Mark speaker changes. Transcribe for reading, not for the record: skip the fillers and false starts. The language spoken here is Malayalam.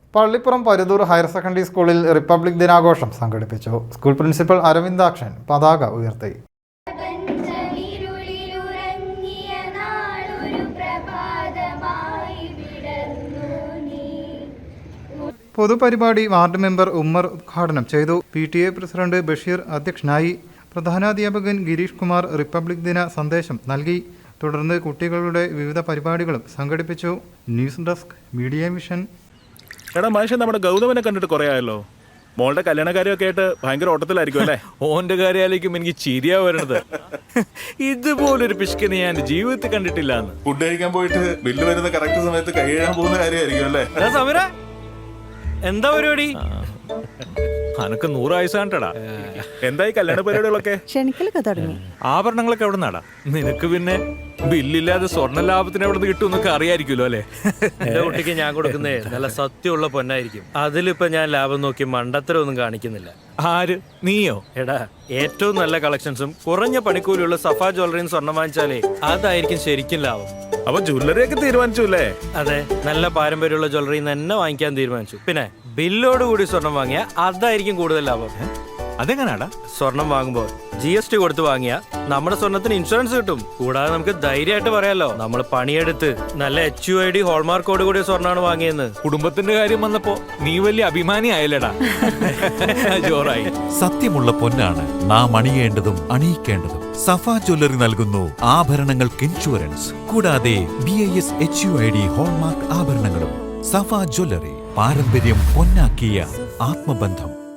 Speaker 1: പള്ളിപ്പുറം പരുതൂർ ഹയർ സെക്കൻഡറി സ്കൂളിൽ റിപ്പബ്ലിക് ദിനാഘോഷം സംഘടിപ്പിച്ചു. സ്കൂൾ പ്രിൻസിപ്പൽ അരവിന്ദാക്ഷൻ പതാക ഉയർത്തി. പൊതുപരിപാടി വാർഡ് മെമ്പർ ഉമ്മർ ഉദ്ഘാടനം ചെയ്തു. PTA പ്രസിഡന്റ് ബഷീർ അധ്യക്ഷനായി. പ്രധാനാധ്യാപകൻ ഗിരീഷ് കുമാർ റിപ്പബ്ലിക് ദിന സന്ദേശം നൽകി. തുടർന്ന് കുട്ടികളുടെ വിവിധ പരിപാടികളും സംഘടിപ്പിച്ചു. News Desk media vision.
Speaker 2: എടാ മനുഷ്യൻ നമ്മുടെ ഗൗതമനെ കണ്ടിട്ട് കുറേ ആയല്ലോ. മോളുടെ കല്യാണക്കാര്യമൊക്കെ ആയിട്ട് ഭയങ്കര ഓട്ടത്തിലായിരിക്കും അല്ലേ?
Speaker 3: ഓന്റെ കാര്യാലേക്കും എനിക്ക് ചിരിയാ വരണത്. ഇതുപോലൊരു പിശുക്കിനെ ഞാൻ ജീവിതത്തിൽ കണ്ടിട്ടില്ല.
Speaker 2: ഫുഡ് കഴിക്കാൻ പോയിട്ട് ബില്ല് വരുന്ന കറക്റ്റ് സമയത്ത് കൈ എഴുതാൻ പോകുന്ന കാര്യമായിരിക്കും അല്ലേ?
Speaker 3: എന്താ പരിപാടി? അനക്ക് 100 ആയുസ് കണ്ടടാ.
Speaker 2: എന്തായി കല്യാണ പരിപാടികളൊക്കെ?
Speaker 4: ക്ഷണിക്കലൊക്കെ തുടങ്ങി.
Speaker 3: ആഭരണങ്ങളൊക്കെ എവിടെ നടാ? നിനക്ക് പിന്നെ ബില്ലില്ലാതെ സ്വർണ്ണ ലാഭത്തിന് എവിടെ നിന്ന് കിട്ടുമെന്നൊക്കെ അറിയായിരിക്കുമല്ലോ അല്ലേ?
Speaker 5: എന്റെ കുട്ടിക്ക് ഞാൻ കൊടുക്കുന്നേ നല്ല സത്യമുള്ള പൊന്നായിരിക്കും. അതിലിപ്പോ ഞാൻ ലാഭം നോക്കി മണ്ടത്തരമൊന്നും കാണിക്കുന്നില്ല.
Speaker 3: ആര്? നീയോ?
Speaker 5: എടാ, ഏറ്റവും നല്ല കളക്ഷൻസും കുറഞ്ഞ പണിക്കൂലിയുള്ള സഫ ജ്വല്ലറിന്ന് സ്വർണ്ണം വാങ്ങിച്ചാലേ അതായിരിക്കും ശരിക്കും ലാഭം.
Speaker 2: അപ്പൊ ജ്വല്ലറി ഒക്കെ തീരുമാനിച്ചു അല്ലേ?
Speaker 5: അതെ, നല്ല പാരമ്പര്യമുള്ള ജ്വല്ലറി തന്നെ വാങ്ങിക്കാൻ തീരുമാനിച്ചു. പിന്നെ ബില്ലോട് കൂടി സ്വർണം വാങ്ങിയ അതായിരിക്കും കൂടുതൽ ലാഭം.
Speaker 3: അതെങ്ങനാടാ?
Speaker 5: സ്വർണം വാങ്ങുമ്പോൾ GST കൊടുത്ത് വാങ്ങിയ നമ്മുടെ സ്വർണത്തിന് ഇൻഷുറൻസ് കിട്ടും. കൂടാതെ നമുക്ക് ധൈര്യമായിട്ട് പറയാലോ നമ്മൾ പണിയെടുത്ത് നല്ല HUID ഹോൾമാർക്കോട് കൂടിയ സ്വർണ്ണമാണ് വാങ്ങിയെന്ന്.
Speaker 3: കുടുംബത്തിന്റെ കാര്യം വന്നപ്പോ നീ വലിയ അഭിമാനി ആയല്ലടാ. ജോറായി.
Speaker 6: സത്യമുള്ള പൊന്നാണ് നാം അണിയേണ്ടതും അണിയിക്കേണ്ടതും. സഫ ജ്വല്ലറി നൽകുന്നു ആഭരണങ്ങൾക്ക് ഇൻഷുറൻസ്. കൂടാതെ BIS HUID ഹോൾമാർക്ക് ആഭരണങ്ങളും. സഫ ജ്വല്ലറി, പാരമ്പര്യം പൊന്നാക്കിയ ആത്മബന്ധം.